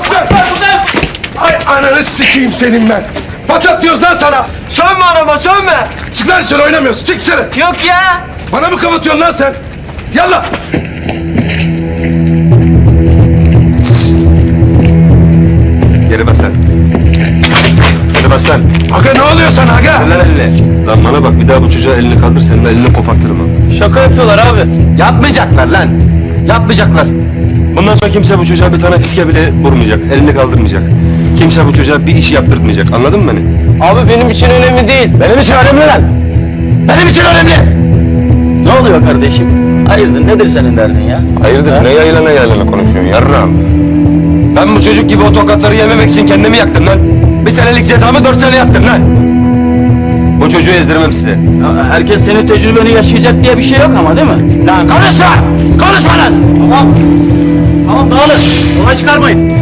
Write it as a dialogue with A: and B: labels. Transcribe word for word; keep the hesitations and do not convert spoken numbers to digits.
A: Bas lan! Ay ananı sikeyim senin ben! Bas at diyoruz lan sana!
B: Sönme anama sönme.
A: Çık lan dışarı oynamıyorsun, çık dışarı!
B: Yok ya.
A: Bana mı kapatıyorsun lan sen? Yallah!
C: Geri bas lan. Geri bas lan.
A: Aga ne oluyor sana aga?
C: Lan elini. Lan bana bak bir daha bu çocuğa elini kaldır senin elini kopartırım ha.
B: Şaka yapıyorlar abi.
C: Yapmayacaklar lan. Yapmayacaklar. Bundan sonra kimse bu çocuğa bir tane fiske bile vurmayacak. Elini kaldırmayacak. Kimse bu çocuğa bir iş yaptırtmayacak. Anladın mı beni?
B: Abi benim için önemli değil.
C: Benim için önemli lan. Benim için önemli.
B: Ne oluyor kardeşim? Hayırdır nedir senin derdin ya?
C: Hayırdır ne yaylana yaylana konuşuyorsun yarrağım? Ben bu çocuk gibi o tokatları yememek için kendimi yaktım lan. Bir senelik cezamı dört sene yattım lan. Bu çocuğu ezdirmem size.
B: Ya herkes senin tecrübeni yaşayacak diye bir şey yok ama değil mi?
C: Lan konuşma! Konuşma lan!
B: Tamam. Tamam dağılın. Olay çıkarmayın.